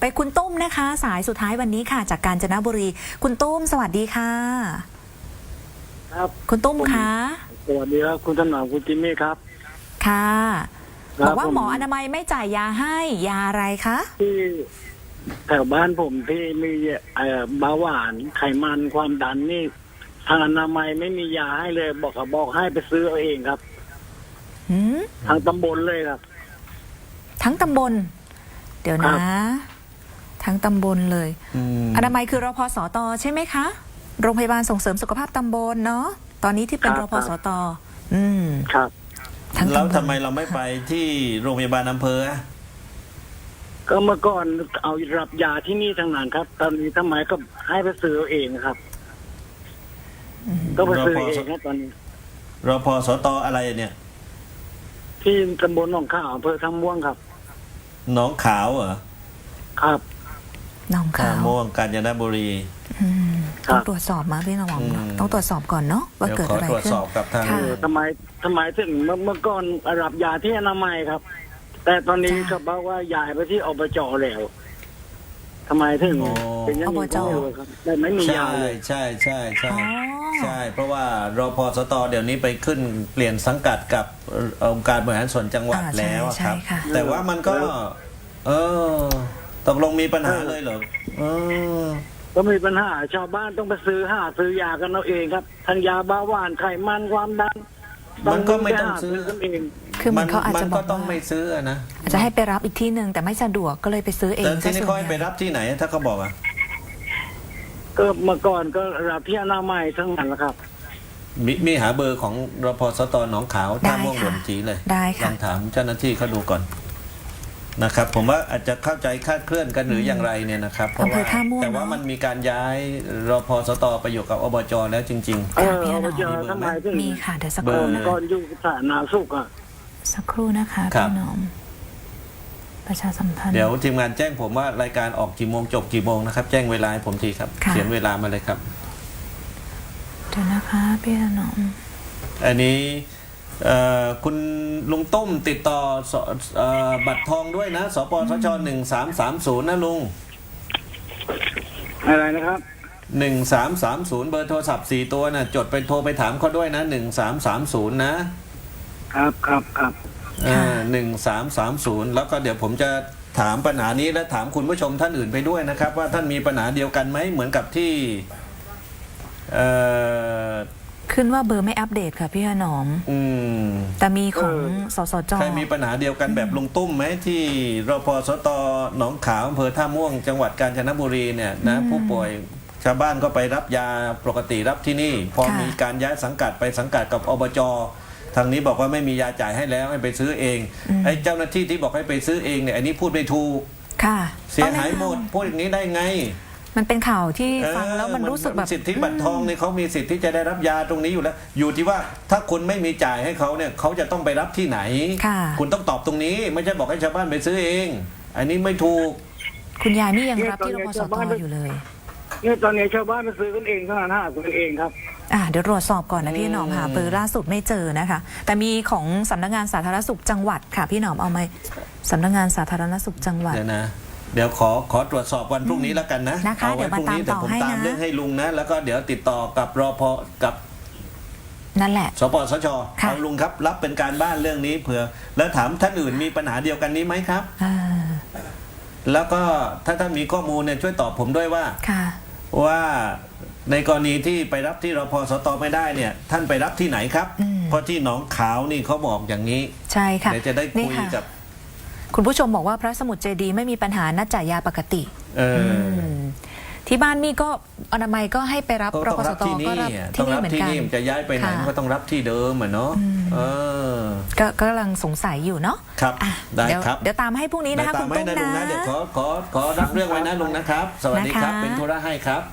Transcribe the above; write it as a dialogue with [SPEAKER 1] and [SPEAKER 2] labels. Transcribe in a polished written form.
[SPEAKER 1] คุณตุ้มนะคะสายสุดท้ายวันนี้ค่ะจากกาญจนบุรีคุณตุ้มสวัสดีค่ะ
[SPEAKER 2] ครับ
[SPEAKER 1] คุณตุ้มคะ
[SPEAKER 2] สวัสดีครับคุณถนอมคุณจิมมี่ครับ
[SPEAKER 1] ค่ะ
[SPEAKER 2] ครับ
[SPEAKER 1] บอกว่าหมออนามัยไม่จ่ายยาให้ยาอะไรคะ
[SPEAKER 2] ที่แถวบ้านผมที่มีเบาหวานไขมันความดันนี่ทางอนามัยไม่มียาให้เลยบอกให้ไปซื้อเอาเองครับ
[SPEAKER 1] หืม
[SPEAKER 2] ทางตำบลเลยครับ
[SPEAKER 1] ทั้งตำบลเดี๋ยว
[SPEAKER 2] ครั
[SPEAKER 1] นะ
[SPEAKER 2] บ
[SPEAKER 1] ทั้งตำบลเลยอนามัยคือรพสตใช่ไหมคะโรงพยาบาลส่งเสริมสุขภาพตำบลเนาะตอนนี้ที่เป็นรพสต
[SPEAKER 2] ครับ
[SPEAKER 1] ทั้ง
[SPEAKER 3] แล้ว
[SPEAKER 1] ตำบ
[SPEAKER 3] ทำ
[SPEAKER 1] ล
[SPEAKER 3] ไมเราไม่ไปที่โรงพยาบาลอำเภออะ
[SPEAKER 2] ก็เมื่อก่อนเอารับยาที่นี่ทางนั้นครับ ตอนนี้ทำไมก็ให้ไปซื้อเอาเองครับ ก็ไปซื้อเองครับตอนนี้
[SPEAKER 3] รพสตอะไรเนี่ย
[SPEAKER 2] ที่ตำบลหนองข้าวอำเภอท่าม่วงครับ
[SPEAKER 3] หนองขาวเหรอ
[SPEAKER 2] ครับ
[SPEAKER 1] หนอง
[SPEAKER 3] ท่า
[SPEAKER 1] ขาว
[SPEAKER 3] ม่วงกาญจนบุรี
[SPEAKER 2] ครั
[SPEAKER 1] ต้อบ งตรวจสอบมาพี่นวัง
[SPEAKER 3] อืม
[SPEAKER 1] ต้องตรวจสอบก่อนเนาะว่า
[SPEAKER 3] เดี๋ยว
[SPEAKER 1] เกิด
[SPEAKER 3] ขอ
[SPEAKER 1] อะไร
[SPEAKER 3] ตรวจ
[SPEAKER 1] ขึ้น
[SPEAKER 3] สอบกับทาง
[SPEAKER 1] ค่ะ
[SPEAKER 2] ทำไมถึงเมื่อก่อนรับยาที่อนามัยครับ แต่ตอนนี้ก็บอกว่าย้ายไปที่อบจแล้วทำไมถึงเป็นอย่างนี้ก็ไม่รู้ครับแต่ไม่มียา
[SPEAKER 3] ใช่
[SPEAKER 2] เลย
[SPEAKER 3] ใช่ใช่ใช่
[SPEAKER 1] อ๋อ
[SPEAKER 3] ใช่ เพราะว่ารพสตเดี๋ยวนี้ไปขึ้นเปลี่ยนสังกัดกับองค์การบริหารส่วนจังหวัด
[SPEAKER 1] อ่าใช่
[SPEAKER 3] แล้วอะครับ
[SPEAKER 1] ใช่ค่ะ
[SPEAKER 3] แต่ว่ามันก็ เออตกลงมีปัญหาเลยเหรอเออ
[SPEAKER 2] ก็มีปัญหาชาวบ้านต้องไปซื้อยากันเอาเองครับทั้งยาเบาหวานไขมันความดัน
[SPEAKER 3] มันก็ไม่ต้องซื้อ
[SPEAKER 2] กันเอง
[SPEAKER 1] คือมันเขาอาจ
[SPEAKER 3] มัน
[SPEAKER 1] จะบ
[SPEAKER 3] ก็
[SPEAKER 1] อก
[SPEAKER 3] ต้อง
[SPEAKER 1] ว่า
[SPEAKER 3] ไม่ซื้อนะ
[SPEAKER 1] อาจจะให้ไปรับอีกที่หนึ่งแต่ไม่สะดวกก็เลยไปซื้อเอง
[SPEAKER 3] แต่ที่นี่
[SPEAKER 1] ซะ
[SPEAKER 3] เขา
[SPEAKER 1] ส่วน
[SPEAKER 3] ให้
[SPEAKER 1] ให
[SPEAKER 3] ไป
[SPEAKER 1] ญ่
[SPEAKER 3] รับที่ไหนถ้าเขาบอกอะ
[SPEAKER 2] ก็เมื่อก่อนก็รับที่อนามัยทั้งนั้นแหละครับ
[SPEAKER 3] มีหาเบอร์ของรพสตหนองขาวท่าม่วงหลวงจีเลย
[SPEAKER 1] ได้
[SPEAKER 3] ล
[SPEAKER 1] ค่ะ
[SPEAKER 3] องถามเจ้าหน้าที่เขาดูก่อนนะครับ ผมว่าอาจจะเข้าใจคลาดเคลื่อนกันหรืออย่างไรเนี่ยนะครับเพราะ
[SPEAKER 1] อำเภ
[SPEAKER 3] ว่า
[SPEAKER 1] อท่าม่วง
[SPEAKER 3] แต่ว่า
[SPEAKER 1] เนอะ
[SPEAKER 3] มันมีการย้ายรพสตไปอยู่กับอบจแล้วจริง
[SPEAKER 1] พี่
[SPEAKER 2] อบจ
[SPEAKER 1] หนอม
[SPEAKER 2] ทำไมถึง
[SPEAKER 1] มีค่ะเดี๋ยวสัก
[SPEAKER 3] เบ
[SPEAKER 1] ค
[SPEAKER 3] อ
[SPEAKER 1] รู่
[SPEAKER 3] ร์
[SPEAKER 1] นะ
[SPEAKER 2] ก่อนอยู่สาธารณสุขอ่ะ
[SPEAKER 1] สักครู่นะคะ
[SPEAKER 3] ครับ
[SPEAKER 1] พี่หนอม ประชาสัมพัน
[SPEAKER 3] ๆ
[SPEAKER 1] ธ์
[SPEAKER 3] เดี๋ยวทีมงานแจ้งผมว่ารายการออกกี่โมงจบกี่โมงนะครับ แจ้งเวลาให้ผมทีครับ
[SPEAKER 1] ค่ะ
[SPEAKER 3] เขียนเวลามาเลยครับ
[SPEAKER 1] เดี๋ยวนะคะพี่หนอม
[SPEAKER 3] อันนี้คุณลุงตุ้มติดต่อบัตรทองด้วยนะสปสช1330นะลุง
[SPEAKER 2] อะไรนะครับ
[SPEAKER 3] 1330เบอร์โทรศัพท์4ตัวนะจดไปโทรไปถามเขาด้วยนะ1330นะครับ
[SPEAKER 2] ครับครับ
[SPEAKER 3] 1330แล้วก็เดี๋ยวผมจะถามปัญหานี้และถามคุณผู้ชมท่านอื่นไปด้วยนะครับ ว่าท่านมีปัญหาเดียวกันไหมเหมือนกับที่เอ่อ
[SPEAKER 1] ขึ้นว่าเบอร์ไม่อัปเดตค่ะพี่หนอม
[SPEAKER 3] อืม
[SPEAKER 1] แต่มีของสสจ
[SPEAKER 3] ใครมีปัญหาเดียวกันแบบลุงตุ้มไหมที่รพสตหนองขาวอำเภอท่าม่วงจังหวัดกาญจนบุรีเนี่ยนะผู้ป่วยชาวบ้านก็ไปรับยาปกติรับที่นี่ พอมีการย้ายสังกัดไปสังกัดกับอบจทางนี้บอกว่าไม่มียาจ่ายให้แล้วให้ไปซื้อเองไอ้เจ้าหน้าที่ที่บอกให้ไปซื้อเองเนี่ยอันนี้พูดไม่ถูก
[SPEAKER 1] ค่ะ
[SPEAKER 3] เสียหายหมดพูดอย่างนี้ได้ไง
[SPEAKER 1] มันเป็นข่าวที่ฟังแล้วมันรู้สึกแบบ
[SPEAKER 3] สิทธิบัตรทองเนี่ยเขามีสิทธิ์ที่จะได้รับยาตรงนี้อยู่แล้ว อยู่ที่ว่าถ้าคุณไม่มีจ่ายให้เขาเนี่ยเขาจะต้องไปรับที่ไหน
[SPEAKER 1] ค่ะ
[SPEAKER 3] คุณต้องตอบตรงนี้ ไม่ใช่บอกให้ชาวบ้านไปซื้อเอง อันนี้ไม่ถูก
[SPEAKER 1] คุณยายนี่ยังรับที่รพสตอยู่เลย
[SPEAKER 2] เนี่ยตอนนี้ชาวบ้านไปซื้อกันเองเท่านั้นหากันเองครับ
[SPEAKER 1] เดี๋ยวตรวจสอบก่อนนะพี่หนอมหาเบอร์ล่าสุดไม่เจอนะคะ แต่มีของสำนักงานสาธารณสุขจังหวัดค่ะพี่หนอมเอาไหมสำนักงานสาธารณสุขจังหวัด
[SPEAKER 3] เดี๋ยวขอตรวจสอบวันพรุ่งนี้แล้วกันนะ
[SPEAKER 1] นะคะ
[SPEAKER 3] เอาไว้พรุ่งนี้
[SPEAKER 1] เดี๋
[SPEAKER 3] แต่
[SPEAKER 1] ยว
[SPEAKER 3] ผม
[SPEAKER 1] มาตามต่อให้
[SPEAKER 3] ตาม
[SPEAKER 1] นะ
[SPEAKER 3] เรื่องให้ลุงนะ แล้วก็เดี๋ยวติดต่อกับรพกับ
[SPEAKER 1] นั่นแหละ
[SPEAKER 3] สปสช
[SPEAKER 1] ค่ะ
[SPEAKER 3] เอาลุงครับรับเป็นการบ้านเรื่องนี้เผื่อแล้วถามท่านอื่นมีปัญหาเดียวกันนี้ไหมครับ แล้วก็ถ้าท่านมีข้อมูลเนี่ยช่วยตอบผมด้วยว่า
[SPEAKER 1] ค่ะ
[SPEAKER 3] ว่าในกรณีที่ไปรับที่รพสตไม่ได้เนี่ย ท่านไปรับที่ไหนครับ เพราะที่หนองขาวนี่เขาบอกอย่างนี้
[SPEAKER 1] ใช่ค่ะ
[SPEAKER 3] เดี๋ยวจะได้คุย
[SPEAKER 1] นี่ค่ะ
[SPEAKER 3] กับ
[SPEAKER 1] คุณผู้ชมบอกว่าพระสมุทรเจดีย์ไม่มีปัญหานัดจ่ายยาปกติ ที่บ้านมี่ก็อนามัยก็ให้ไปรับ
[SPEAKER 3] ก็
[SPEAKER 1] ร
[SPEAKER 3] ต้อง
[SPEAKER 1] พส
[SPEAKER 3] รับ
[SPEAKER 1] ต
[SPEAKER 3] ที่
[SPEAKER 1] ก็
[SPEAKER 3] นี่
[SPEAKER 1] รับ
[SPEAKER 3] ต้
[SPEAKER 1] ที่
[SPEAKER 3] อง
[SPEAKER 1] นี่
[SPEAKER 3] รับ
[SPEAKER 1] เหมือน
[SPEAKER 3] ที่
[SPEAKER 1] กัน
[SPEAKER 3] นี่มันจะย้ายไปไหน
[SPEAKER 1] ค่ะ
[SPEAKER 3] มันก็ต้องรับที่เดิมอ่ะเนาะ
[SPEAKER 1] ก็กำลังสงสัยอยู่เนาะ
[SPEAKER 3] ครับ
[SPEAKER 1] อ่ะ
[SPEAKER 3] ได้
[SPEAKER 1] เดี๋ยว
[SPEAKER 3] ครับ
[SPEAKER 1] เดี๋ยวตามให้พรุ่งนี้นะคะ
[SPEAKER 3] ตา
[SPEAKER 1] คุ
[SPEAKER 3] ม
[SPEAKER 1] ณ
[SPEAKER 3] ให้
[SPEAKER 1] ตุ้ม
[SPEAKER 3] นะลุง
[SPEAKER 1] นะ
[SPEAKER 3] นะเดี๋ยวขอรับเรื่องไว้นะลุงนะครับ สวัสดีครับ
[SPEAKER 1] นะคะ
[SPEAKER 3] เป็นธุระให้ครับ